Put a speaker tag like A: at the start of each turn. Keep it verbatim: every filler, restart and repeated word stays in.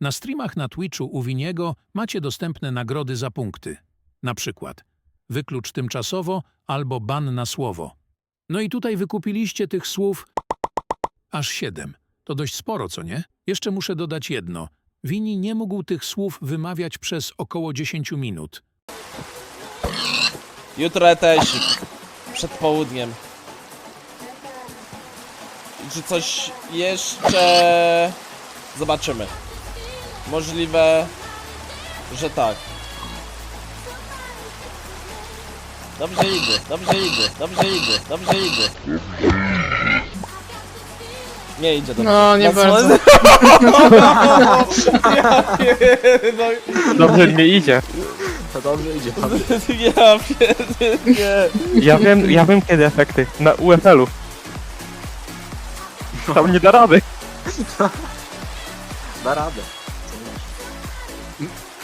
A: Na streamach na Twitchu u Winiego macie dostępne nagrody za punkty. Na przykład wyklucz tymczasowo albo ban na słowo. No i tutaj wykupiliście tych słów aż siedem. To dość sporo, co nie? Jeszcze muszę dodać jedno. Wini nie mógł tych słów wymawiać przez około dziesięć minut.
B: Jutro etesik. Przed południem. I czy coś jeszcze... Zobaczymy. Możliwe, że tak. Dobrze idzie, dobrze idzie, dobrze idzie, dobrze idzie. Nie idzie dobrze.
C: No, nie
B: Na co-
C: bardzo.
B: Ja pierdolę.
D: Dobrze nie idzie.
E: To dobrze idzie.
B: Ja pierdolę.
D: Ja wiem, ja wiem kiedy efekty. Na U F L-u. Tam nie da rady.
E: Da radę.